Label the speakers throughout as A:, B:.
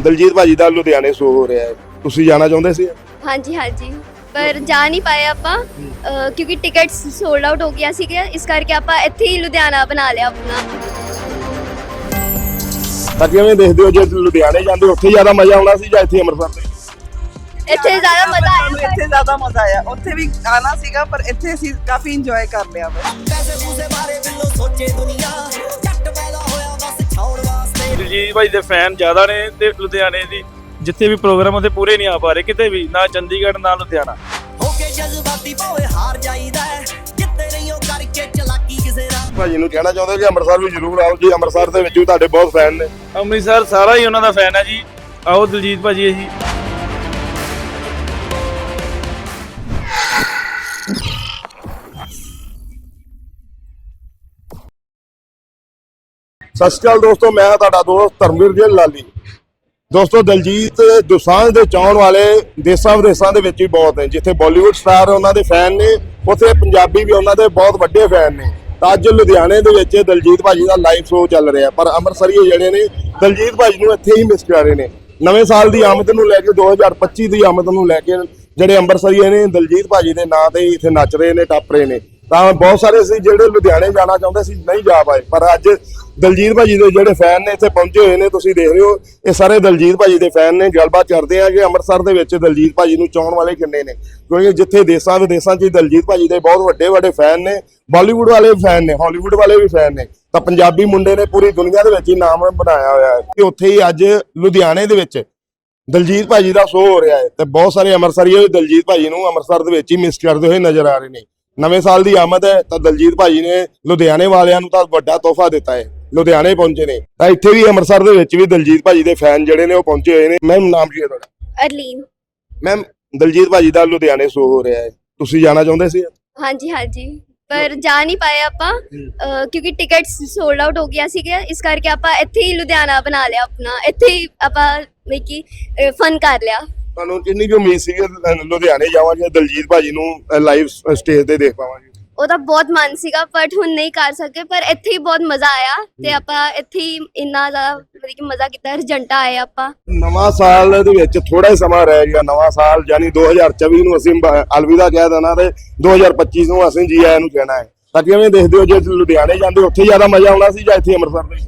A: ਦਲਜੀਤ ਭਾਜੀ ਦਾ ਲੁਧਿਆਣੇ ਸ਼ੋ ਹੋ ਰਿਹਾ ਹੈ, ਤੁਸੀਂ ਜਾਣਾ ਚਾਹੁੰਦੇ ਸੀ?
B: ਹਾਂਜੀ ਹਾਂਜੀ ਪਰ ਜਾ ਨਹੀਂ ਪਾਏ ਆਪਾਂ ਕਿਉਂਕਿ ਟਿਕਟਸ ਸੋਲਡ ਆਊਟ ਹੋ ਗਿਆ ਸੀਗਾ, ਇਸ ਕਰਕੇ ਆਪਾਂ ਇੱਥੇ ਹੀ ਲੁਧਿਆਣਾ ਬਣਾ ਲਿਆ ਆਪਣਾ।
A: ਤਾਂ ਕਿਵੇਂ ਦੇਖਦੇ ਹੋ, ਜੇ ਲੁਧਿਆਣੇ ਜਾਂਦੇ ਉੱਥੇ ਜ਼ਿਆਦਾ ਮਜ਼ਾ ਆਉਣਾ ਸੀ ਜਾਂ ਇੱਥੇ ਅੰਮ੍ਰਿਤਸਰ ਦੇ?
B: ਇੱਥੇ ਜ਼ਿਆਦਾ ਮਜ਼ਾ ਆਇਆ।
C: ਇੱਥੇ ਜ਼ਿਆਦਾ ਮਜ਼ਾ ਆਇਆ, ਉੱਥੇ ਵੀ ਆਣਾ ਸੀਗਾ ਪਰ ਇੱਥੇ ਅਸੀਂ ਕਾਫੀ ਇੰਜੋਏ ਕਰ ਲਿਆ।
D: ਦਿਲਜੀਤ ਭਾਈ ਦੇ ਫੈਨ ਜ਼ਿਆਦਾ ਨੇ ਤੇ ਲੁਧਿਆਣੇ ਦੀ ਜਿੱਥੇ ਵੀ ਪ੍ਰੋਗਰਾਮ ਉਹਦੇ ਪੂਰੇ ਨਹੀਂ ਆ ਪਾ ਰਹੇ ਕਿਤੇ ਵੀ, ਨਾ ਚੰਡੀਗੜ੍ਹ ਨਾ ਲੁਧਿਆਣਾ।
A: ਭਾਜੀ ਨੂੰ ਕਹਿਣਾ ਚਾਹੁੰਦੇ ਕਿ ਅੰਮ੍ਰਿਤਸਰ ਵੀ ਜ਼ਰੂਰ ਆਓ ਜੀ, ਅੰਮ੍ਰਿਤਸਰ ਦੇ ਵਿੱਚ ਵੀ ਤੁਹਾਡੇ ਬਹੁਤ ਫੈਨ ਨੇ।
D: ਅੰਮ੍ਰਿਤਸਰ ਸਾਰਾ ਹੀ ਉਹਨਾਂ ਦਾ ਫੈਨ ਹੈ ਜੀ, ਆਓ ਦਿਲਜੀਤ ਭਾਜੀ ਅਸੀਂ।
A: ਸਤਿ ਸ਼੍ਰੀ ਅਕਾਲ ਦੋਸਤੋ, ਮੈਂ ਹਾਂ ਤੁਹਾਡਾ ਦੋਸਤ ਧਰਮਵੀਰ ਜੀ ਲਾਲੀ। ਦੋਸਤੋ ਦਲਜੀਤ ਦੋਸਾਂਝ ਦੇ ਚਾਹਣ ਵਾਲੇ ਦੇਸਾਂ ਵਿਦੇਸਾਂ ਦੇ ਵਿੱਚ ਵੀ ਬਹੁਤ ਨੇ। ਜਿੱਥੇ ਬਾਲੀਵੁੱਡ ਸਟਾਰ ਉਹਨਾਂ ਦੇ ਫੈਨ ਨੇ, ਉੱਥੇ ਪੰਜਾਬੀ ਵੀ ਉਹਨਾਂ ਦੇ ਬਹੁਤ ਵੱਡੇ ਫੈਨ ਨੇ। ਤਾਂ ਅੱਜ ਲੁਧਿਆਣੇ ਦੇ ਵਿੱਚ ਦਲਜੀਤ ਭਾਜੀ ਦਾ ਲਾਈਵ ਸ਼ੋਅ ਚੱਲ ਰਿਹਾ, ਪਰ ਅੰਮ੍ਰਿਤਸਰੀਏ ਜਿਹੜੇ ਨੇ ਦਲਜੀਤ ਭਾਜੀ ਨੂੰ ਇੱਥੇ ਹੀ ਮਿਸ ਕਰ ਰਹੇ ਨੇ। ਨਵੇਂ ਸਾਲ ਦੀ ਆਮਦ ਨੂੰ ਲੈ ਕੇ 2025 ਦੀ ਆਮਦ ਨੂੰ ਲੈ ਕੇ ਜਿਹੜੇ ਅੰਮ੍ਰਿਤਸਰੀਏ ਨੇ ਦਲਜੀਤ ਭਾਜੀ ਦੇ ਨਾਂ ਤੇ ਇੱਥੇ ਨੱਚ ਰਹੇ ਨੇ, ਟੱਪ ਰਹੇ ਨੇ। ਤਾਂ ਬਹੁਤ ਸਾਰੇ ਸੀ ਜਿਹੜੇ ਲੁਧਿਆਣੇ ਜਾਣਾ ਚਾਹੁੰਦੇ ਸੀ, ਨਹੀਂ ਜਾ ਪਾਏ, ਪਰ ਅੱਜ ਦਲਜੀਤ ਭਾਜੀ ਦੇ ਜਿਹੜੇ ਫੈਨ ਨੇ ਇੱਥੇ ਪਹੁੰਚੇ ਹੋਏ ਨੇ। ਤੁਸੀਂ ਦੇਖ ਰਹੇ ਹੋ ਇਹ ਸਾਰੇ ਦਲਜੀਤ ਭਾਜੀ ਦੇ ਫੈਨ ਨੇ। ਗੱਲਬਾਤ ਕਰਦੇ ਆ ਕਿ ਅੰਮ੍ਰਿਤਸਰ ਦੇ ਵਿੱਚ ਦਲਜੀਤ ਭਾਜੀ ਨੂੰ ਚਾਹਣ ਵਾਲੇ ਕਿੰਨੇ ਨੇ, ਕਿਉਂਕਿ ਜਿੱਥੇ ਦੇਸਾਂ ਵਿਦੇਸਾਂ 'ਚ ਦਲਜੀਤ ਭਾਜੀ ਦੇ ਬਹੁਤ ਵੱਡੇ ਫੈਨ ਨੇ। ਬਾਲੀਵੁੱਡ ਵਾਲੇ ਵੀ ਫੈਨ ਨੇ, ਹਾਲੀਵੁੱਡ ਵਾਲੇ ਵੀ ਫੈਨ ਨੇ। ਤਾਂ ਪੰਜਾਬੀ ਮੁੰਡੇ ਨੇ ਪੂਰੀ ਦੁਨੀਆ ਦੇ ਵਿੱਚ ਹੀ ਨਾਮ ਬਣਾਇਆ ਹੋਇਆ ਹੈ ਕਿ ਉੱਥੇ ਹੀ ਅੱਜ ਲੁਧਿਆਣੇ ਦੇ ਵਿੱਚ ਦਲਜੀਤ ਭਾਜੀ ਦਾ ਸ਼ੋਅ ਹੋ ਰਿਹਾ ਹੈ। ਤੇ ਬਹੁਤ ਸਾਰੇ ਅੰਮ੍ਰਿਤਸਰੀਏ ਦਲਜੀਤ ਭਾਜੀ ਨੂੰ ਅੰਮ੍ਰਿਤਸਰ ਦੇ ਵਿੱਚ ਹੀ ਮਿਸ ਕਰਦੇ ਹੋਏ ਨਜ਼ਰ ਆ ਰਹੇ ਨੇ। ਨਵੇਂ ਸਾਲ ਦੀ ਆਮਦ ਹੈ ਤਾਂ ਦਲਜੀਤ ਭਾਜੀ ਨੇ ਲੁਧਿਆਣੇ ਵਾਲਿਆਂ ਨੂੰ ਤਾਂ ਵੱਡਾ ਤੋਹਫਾ ਦਿੱਤਾ ਹੈ, ਲੁਧਿਆਣੇ ਪਹੁੰਚੇ ਨੇ। ਤਾਂ ਇੱਥੇ ਵੀ ਅੰਮ੍ਰਿਤਸਰ ਦੇ ਵਿੱਚ ਵੀ ਦਲਜੀਤ ਭਾਜੀ ਦੇ ਫੈਨ ਜਿਹੜੇ ਨੇ ਉਹ ਪਹੁੰਚੇ ਹੋਏ ਨੇ। ਮੈਮ ਨਾਮ ਕੀ ਹੈ ਤੁਹਾਡਾ?
B: ਅਰਲੀਨ।
A: ਮੈਮ ਦਲਜੀਤ ਭਾਜੀ ਦਾ ਲੁਧਿਆਣੇ ਸ਼ੋਅ ਹੋ ਰਿਹਾ ਹੈ, ਤੁਸੀਂ ਜਾਣਾ ਚਾਹੁੰਦੇ ਸੀ?
B: ਹਾਂਜੀ ਹਾਂਜੀ ਪਰ ਜਾ ਨਹੀਂ ਪਾਏ ਆਪਾਂ ਕਿਉਂਕਿ ਟਿਕਟਸ ਸੋਲਡ ਆਊਟ ਹੋ ਗਿਆ ਸੀਗਾ, ਇਸ ਕਰਕੇ ਆਪਾਂ ਇੱਥੇ ਹੀ ਲੁਧਿਆਣਾ ਬਣਾ ਲਿਆ ਆਪਣਾ। ਇੱਥੇ ਹੀ ਆਪਾਂ ਕਿ ਫਨ ਕਰ ਲਿਆ।
A: ਤੁਹਾਨੂੰ ਕਿੰਨੀ ਕੁ ਉਮੀਦ ਸੀ ਕਿ ਲੁਧਿਆਣੇ ਜਾਵਾਂਗੇ ਦਲਜੀਤ ਭਾਜੀ ਨੂੰ ਲਾਈਵ ਸਟੇਜ ਤੇ ਦੇਖ ਪਾਵਾਂਗੇ?
B: ਉਹਦਾ ਬਹੁਤ ਮਨ ਸੀਗਾ ਬਟ ਹੁਣ ਨਹੀਂ ਕਰ ਸਕੇ, ਪਰ ਇੱਥੇ ਹੀ ਬਹੁਤ ਮਜ਼ਾ ਆਇਆ ਤੇ ਆਪਾਂ ਇੱਥੇ ਹੀ ਇੰਨਾ ਜ਼ਿਆਦਾ ਮਜ਼ਾ ਕੀਤਾ। ਰਿਜੰਟਾ ਆਏ ਆਪਾਂ।
A: ਨਵਾਂ ਸਾਲ ਦੇ ਵਿੱਚ ਥੋੜਾ ਹੀ ਸਮਾਂ ਰਹਿ ਗਿਆ। ਨਵਾਂ ਸਾਲ ਯਾਨੀ 2024 ਨੂੰ ਅਸੀਂ ਅਲਵਿਦਾ ਕਹਿ ਦੇਣਾ ਤੇ 2025 ਨੂੰ ਅਸੀਂ ਜੀ ਆਇਆਂ ਨੂੰ ਕਹਿਣਾ ਹੈ। ਤਾਂ ਕਿਵੇਂ ਦੇਖਦੇ ਹੋ, ਜੇ ਲੁਧਿਆਣੇ ਜਾਂਦੇ ਉੱਥੇ ਜ਼ਿਆਦਾ ਮਜ਼ਾ ਆਉਣਾ ਸੀ ਜਾਂ ਇੱਥੇ ਅੰਮ੍ਰਿਤਸਰ ਦੇ?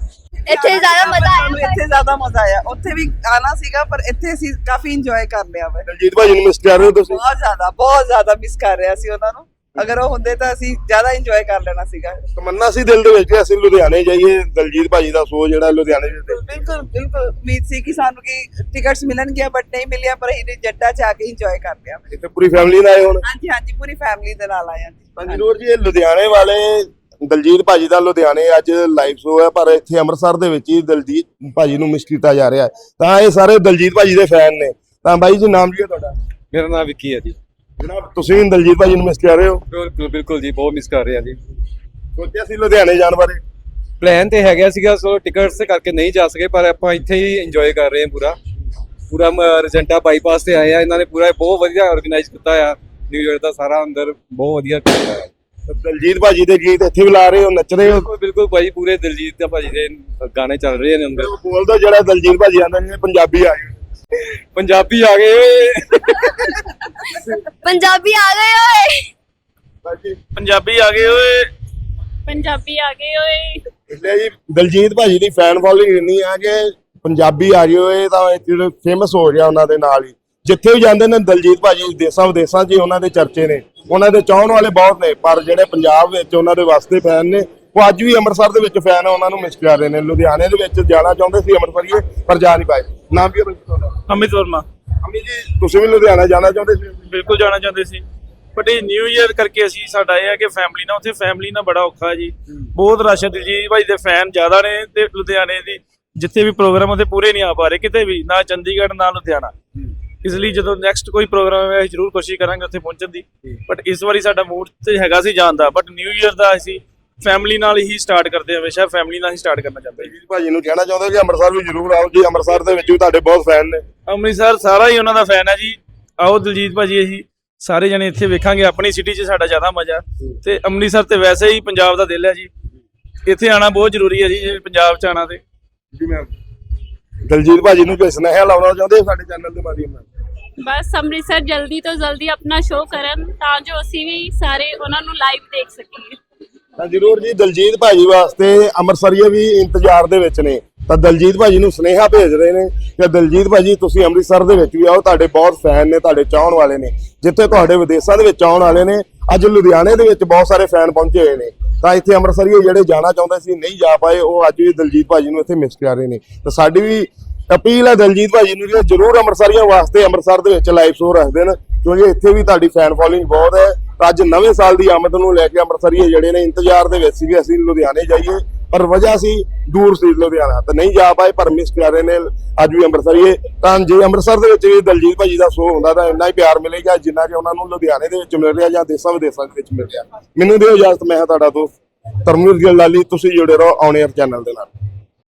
B: ਇੱਥੇ ਜ਼ਿਆਦਾ ਮਜ਼ਾ ਆਇਆ।
C: ਇੱਥੇ ਜ਼ਿਆਦਾ ਮਜ਼ਾ ਆਇਆ, ਉੱਥੇ ਵੀ ਆਣਾ ਸੀਗਾ ਪਰ ਇੱਥੇ ਅਸੀਂ ਕਾਫੀ ਇੰਜੋਏ ਕਰ ਲਿਆ।
A: ਦਲਜੀਤ ਭਾਜੀ ਨੂੰ ਮਿਸ ਕਰ ਰਹੇ ਹੋ ਤੁਸੀਂ?
C: ਬਹੁਤ ਜ਼ਿਆਦਾ ਮਿਸ ਕਰ ਰਿਹਾ ਸੀ ਉਹਨਾਂ ਨੂੰ। ਅਗਰ ਉਹ ਹੁੰਦੇ ਤਾਂ ਅਸੀਂ ਜ਼ਿਆਦਾ ਇੰਜੋਏ ਕਰ ਲੈਣਾ ਸੀਗਾ।
A: ਤਮੰਨਾ ਸੀ ਦਿਲ ਦੇ ਵਿੱਚ ਕਿ ਅਸੀਂ ਲੁਧਿਆਣੇ ਜਾਈਏ, ਦਲਜੀਤ ਭਾਜੀ ਦਾ ਸ਼ੋਅ ਜਿਹੜਾ ਲੁਧਿਆਣੇ ਦੇ।
C: ਬਿਲਕੁਲ ਉਮੀਦ ਸੀ ਕਿ ਸਾਨੂੰ ਕਿ ਟਿਕਟਸ ਮਿਲਣਗੀਆਂ ਬਟ ਨਹੀਂ ਮਿਲਿਆ, ਪਰ ਅਸੀਂ ਜੱਟਾ ਚ ਆ ਕੇ ਇੰਜੋਏ ਕਰ ਲਿਆ।
A: ਇੱਥੇ ਪੂਰੀ ਫੈਮਿਲੀ ਨਾਲ ਆਏ ਹੁਣ?
C: ਹਾਂਜੀ ਹਾਂਜੀ ਪੂਰੀ ਫੈਮਿਲੀ ਦੇ ਨਾਲ ਆਏ ਹਾਂ।
A: ਜ਼ਰੂਰ ਜੀ। ਇਹ ਲੁਧਿਆਣੇ ਵਾਲੇ ਦਲਜੀਤ ਭਾਜੀ ਦਾ ਲੁਧਿਆਣੇ ਅੱਜ ਲਾਈਵ ਸ਼ੋਅ ਹੈ, ਪਰ ਇੱਥੇ ਅੰਮ੍ਰਿਤਸਰ ਦੇ ਵਿੱਚ ਹੀ ਦਲਜੀਤ ਭਾਜੀ ਨੂੰ ਮਿਸ ਕੀਤਾ ਜਾ ਰਿਹਾ ਹੈ। ਤਾਂ ਇਹ ਸਾਰੇ ਦਲਜੀਤ ਭਾਜੀ ਦੇ ਫੈਨ ਨੇ। ਤਾਂ ਬਾਈ ਜੀ ਨਾਮ ਕੀ ਹੈ ਤੁਹਾਡਾ?
E: ਮੇਰਾ ਨਾਮ ਵਿੱਕੀ ਹੈ ਜੀ।
A: ਜਨਾਬ ਤੁਸੀਂ ਦਲਜੀਤ ਭਾਜੀ ਨੂੰ ਮਿਸ ਕਰ ਰਹੇ ਹੋ?
E: ਬਿਲਕੁਲ ਜੀ, ਬਹੁਤ ਮਿਸ ਕਰ ਰਹੇ ਹਾਂ ਜੀ।
A: ਸੋਚਿਆ ਸੀ ਲੁਧਿਆਣੇ ਜਾਣ ਬਾਰੇ?
E: ਪਲਾਨ ਤੇ ਹੈਗਾ ਸੀਗਾ, ਸੋ ਟਿਕਟਸ ਕਰਕੇ ਨਹੀਂ ਜਾ ਸਕੇ, ਪਰ ਆਪਾਂ ਇੱਥੇ ਹੀ ਇੰਜੋਏ ਕਰ ਰਹੇ ਹਾਂ ਪੂਰਾ ਰਜੰਟਾ ਬਾਈਪਾਸ ਤੇ ਆਏ ਆ। ਇਹਨਾਂ ਨੇ ਪੂਰਾ ਬਹੁਤ ਵਧੀਆ ਆਰਗੇਨਾਈਜ਼ ਕੀਤਾ ਆ। ਨਿਊ ਈਅਰ ਦਾ ਸਾਰਾ ਅੰਦਰ ਬਹੁਤ ਵਧੀਆ ਕੀਤਾ ਹੈ।
A: ਦਲਜੀਤ ਭਾਜੀ ਦੇ ਗੀਤ ਇੱਥੇ ਵੀ ਲਾ ਰਹੇ ਹੋ, ਨੱਚ ਰਹੇ ਹੋ?
E: ਬਿਲਕੁਲ ਭਾਜੀ, ਪੂਰੇ ਦਿਲਜੀਤ ਦਾ ਭਾਜੀ ਦੇ ਗਾਣੇ ਚੱਲ ਰਹੇ ਨੇ ਅੰਦਰ।
A: ਬੋਲਦਾ ਜਿਹੜਾ ਦਲਜੀਤ ਭਾਜੀ ਆਂਦੇ ਨੇ ਪੰਜਾਬੀ ਆ ਗਏ।
E: ਪੰਜਾਬੀ ਆ ਗਏ ਓਏ,
B: ਪੰਜਾਬੀ ਆ ਗਏ ਓਏ,
D: ਪੰਜਾਬੀ ਆ ਗਏ ਓਏ,
B: ਪੰਜਾਬੀ ਆ ਗਏ ਓਏ।
A: એટલે ਜੀ ਦਲਜੀਤ ਭਾਜੀ ਦੀ ਫੈਨ ਫੋਲੋਇੰਗ ਇੰਨੀ ਆ ਕਿ ਪੰਜਾਬੀ ਆ ਗਏ ਹੋਏ ਤਾਂ ਜਿਹੜੇ ਫੇਮਸ ਹੋ ਗਿਆ ਉਹਨਾਂ ਦੇ ਨਾਲ ਹੀ। ਜਿੱਥੇ ਵੀ ਜਾਂਦੇ ਨੇ ਦਲਜੀਤ ਭਾਜੀ ਦੇਸਾਂ ਵਿਦੇਸਾਂ 'ਚ ਉਹਨਾਂ ਦੇ ਚਰਚੇ ਨੇ, ਉਹਨਾਂ ਦੇ ਚਾਹਣ ਵਾਲੇ ਬਹੁਤ ਨੇ। ਪਰ ਜਿਹੜੇ ਪੰਜਾਬ ਵਿੱਚ ਉਹਨਾਂ ਦੇ ਵਾਸਤੇ ਫੈਨ ਨੇ, ਉਹ ਅੱਜ ਵੀ ਅੰਮ੍ਰਿਤਸਰ ਦੇ ਵਿੱਚ ਫੈਨ ਆ, ਉਹਨਾਂ ਨੂੰ ਮਿਸ ਕਰ ਰਹੇ ਨੇ। ਲੁਧਿਆਣੇ ਦੇ ਵਿੱਚ ਜਾਣਾ ਚਾਹੁੰਦੇ ਸੀ ਅੰਮ੍ਰਿਤਸਰੀਏ, ਪਰ ਜਾ ਨਹੀਂ ਪਾਏ। ਨਾਮ ਕੀ ਹੈ ਤੁਹਾਡਾ?
D: ਅਮਿਤ ਵਰਮਾ।
A: ਅਮਿਤ ਜੀ ਤੁਸੀਂ ਵੀ ਲੁਧਿਆਣਾ ਜਾਣਾ ਚਾਹੁੰਦੇ ਸੀ?
D: ਬਿਲਕੁਲ ਜਾਣਾ ਚਾਹੁੰਦੇ ਸੀ, ਬਟ ਇਹ ਨਿਊ ਈਅਰ ਕਰਕੇ ਅਸੀਂ ਸਾਡਾ ਇਹ ਹੈ ਕਿ ਫੈਮਿਲੀ ਨਾਲ, ਉੱਥੇ ਫੈਮਿਲੀ ਨਾਲ ਬੜਾ ਔਖਾ ਜੀ। ਬਹੁਤ ਰਸ਼ ਹੈ, ਦਿਲਜੀਤ ਭਾਈ ਦੇ ਫੈਨ ਜ਼ਿਆਦਾ ਨੇ ਤੇ ਲੁਧਿਆਣੇ ਦੀ ਜਿੱਥੇ ਵੀ ਪ੍ਰੋਗਰਾਮ ਉਹਦੇ ਪੂਰੇ ਨਹੀਂ ਆ ਪਾ ਰਹੇ ਕਿਤੇ ਵੀ, ਨਾ ਚੰਡੀਗੜ੍ਹ ਨਾ ਲੁਧਿਆਣਾ। ਇਸ ਲਈ ਜਦੋਂ ਨੈਕਸਟ ਕੋਈ ਪ੍ਰੋਗਰਾਮ ਹੈ ਅਸੀਂ ਜ਼ਰੂਰ ਕੋਸ਼ਿਸ਼ ਕਰਾਂਗੇ ਉੱਥੇ ਪਹੁੰਚਣ ਦੀ, ਬਟ ਇਸ ਵਾਰੀ ਸਾਡਾ ਮੂਡ ਤੇ ਹੈਗਾ ਸੀ ਜਾਣ ਦਾ। ਬਟ ਨਿਊ ਈਅਰ ਦਾ ਅਸੀਂ ਫੈਮਿਲੀ ਨਾਲ ਹੀ ਸਟਾਰਟ ਕਰਦੇ ਹਾਂ, ਹਮੇਸ਼ਾ ਫੈਮਿਲੀ ਨਾਲ ਹੀ ਸਟਾਰਟ ਕਰਨਾ ਚਾਹੁੰਦੇ ਹਾਂ।
A: ਭਾਜੀ ਨੂੰ ਕਹਿਣਾ ਚਾਹੁੰਦੇ ਕਿ ਅੰਮ੍ਰਿਤਸਰ ਵੀ ਜ਼ਰੂਰ ਆਓ ਜੀ, ਅੰਮ੍ਰਿਤਸਰ ਦੇ ਵਿੱਚ ਵੀ ਤੁਹਾਡੇ ਬਹੁਤ ਫੈਨ ਨੇ।
D: ਅੰਮ੍ਰਿਤਸਰ ਸਾਰਾ ਹੀ ਉਹਨਾਂ ਦਾ ਫੈਨ ਹੈ ਜੀ, ਆਓ ਦਿਲਜੀਤ ਭਾਜੀ ਅਸੀਂ ਸਾਰੇ ਜਣੇ ਇੱਥੇ ਵੇਖਾਂਗੇ। ਆਪਣੀ ਸਿਟੀ 'ਚ ਸਾਡਾ ਜ਼ਿਆਦਾ ਮਜ਼ਾ, ਤੇ ਅੰਮ੍ਰਿਤਸਰ ਤੇ ਵੈਸੇ ਹੀ ਪੰਜਾਬ ਦਾ ਦਿਲ ਹੈ ਜੀ, ਇੱਥੇ ਆਉਣਾ ਬਹੁਤ ਜ਼ਰੂਰੀ ਹੈ ਜੀ। ਜੇ ਪੰਜਾਬ 'ਚ ਆਉਣਾ ਤੇ
A: ਜੀ ਮੈਮ ਦਲਜੀਤ ਭਾਜੀ ਨੂੰ ਕੋਈ ਸੁਨੇਹਾ ਲਾਉਣਾ ਚਾਹੁੰਦੇ ਸਾਡੇ ਚੈਨਲ ਦੇ ਮਾਧਿਅਮ ਨਾਲ?
F: ਬਸ ਅੰਮ੍ਰਿਤਸਰ ਜਲਦੀ ਤੋਂ ਜਲਦੀ ਆਪਣਾ ਸ਼ੋਅ ਕਰਨ ਤਾਂ ਜੋ ਅਸੀਂ ਵੀ ਸਾਰੇ ਉਹਨਾਂ ਨੂੰ ਲਾਈਵ ਦੇਖ ਸਕੀਏ।
A: ਤਾਂ ਜ਼ਰੂਰ ਜੀ, ਦਲਜੀਤ ਭਾਜੀ ਵਾਸਤੇ ਅੰਮ੍ਰਿਤਸਰੀਏ ਵੀ ਇੰਤਜ਼ਾਰ ਦੇ ਵਿੱਚ ਨੇ। ਤਾਂ ਦਲਜੀਤ ਭਾਜੀ ਨੂੰ ਸੁਨੇਹਾ ਭੇਜ ਰਹੇ ਨੇ ਕਿ ਦਲਜੀਤ ਭਾਜੀ ਤੁਸੀਂ ਅੰਮ੍ਰਿਤਸਰ ਦੇ ਵਿੱਚ ਵੀ ਆਓ, ਤੁਹਾਡੇ ਬਹੁਤ ਫੈਨ ਨੇ, ਤੁਹਾਡੇ ਚਾਹਣ ਵਾਲੇ ਨੇ। ਜਿੱਥੇ ਤੁਹਾਡੇ ਵਿਦੇਸ਼ਾਂ ਦੇ ਵਿੱਚ ਆਉਣ ਵਾਲੇ ਨੇ, ਅੱਜ ਲੁਧਿਆਣੇ ਦੇ ਵਿੱਚ ਬਹੁਤ ਸਾਰੇ ਫੈਨ ਪਹੁੰਚੇ ਹੋਏ ਨੇ। ਤਾਂ ਇੱਥੇ ਅੰਮ੍ਰਿਤਸਰੀਏ ਜਿਹੜੇ ਜਾਣਾ ਚਾਹੁੰਦੇ ਸੀ, ਨਹੀਂ ਜਾ ਪਾਏ, ਉਹ ਅੱਜ ਵੀ ਦਲਜੀਤ ਭਾਜੀ ਨੂੰ ਇੱਥੇ ਮਿਸ ਕਰ ਰਹੇ ਨੇ। ਤਾਂ ਸਾਡੀ ਵੀ ਅਪੀਲ ਹੈ ਦਲਜੀਤ ਭਾਜੀ ਨੂੰ ਕਿ ਜ਼ਰੂਰ ਅੰਮ੍ਰਿਤਸਰੀਆਂ ਵਾਸਤੇ ਅੰਮ੍ਰਿਤਸਰ ਦੇ ਵਿੱਚ ਲਾਈਵ ਸ਼ੋਅ ਰੱਖ ਦੇਣ, ਕਿਉਂਕਿ ਇੱਥੇ ਵੀ ਤੁਹਾਡੀ ਫੈਨ ਫੋਲੋਇੰਗ ਬਹੁਤ ਹੈ। ਤਾਂ ਅੱਜ ਨਵੇਂ ਸਾਲ ਦੀ ਆਮਦ ਨੂੰ ਲੈ ਕੇ ਅੰਮ੍ਰਿਤਸਰੀਏ ਜਿਹੜੇ ਨੇ ਇੰਤਜ਼ਾਰ ਦੇ ਵਿੱਚ ਸੀਗੇ ਅਸੀਂ ਲੁਧਿਆਣੇ ਜਾਈਏ, ਪਰ ਵਜ੍ਹਾ ਸੀ ਦੂਰ ਸੀ ਲੁਧਿਆਣਾ, ਤਾਂ ਨਹੀਂ ਜਾ ਪਾਏ, ਪਰ ਮਿਸ ਕਰ ਰਹੇ ਨੇ ਅੱਜ ਵੀ ਅੰਮ੍ਰਿਤਸਰੀਏ। ਤਾਂ ਜੇ ਅੰਮ੍ਰਿਤਸਰ ਦੇ ਵਿੱਚ ਵੀ ਦਲਜੀਤ ਭਾਜੀ ਦਾ ਸ਼ੋਅ ਹੁੰਦਾ ਤਾਂ ਇੰਨਾ ਹੀ ਪਿਆਰ ਮਿਲੇਗਾ ਜਿੰਨਾ ਕਿ ਉਹਨਾਂ ਨੂੰ ਲੁਧਿਆਣੇ ਦੇ ਵਿੱਚ ਮਿਲ ਰਿਹਾ ਜਾਂ ਦੇਸਾਂ ਵਿਦੇਸਾਂ ਦੇ ਵਿੱਚ ਮਿਲ ਰਿਹਾ। ਮੈਨੂੰ ਦਿਓ ਇਜਾਜ਼ਤ, ਮੈਂ ਹਾਂ ਤੁਹਾਡਾ ਦੋਸਤ ਧਰਮਵੀਰ ਗਿੱਲ ਲਾਲੀ, ਤੁਸੀਂ ਜੁੜੇ ਰਹੋ ਔਨ 에ਅਰ ਚੈਨਲ ਦੇ ਨਾਲ।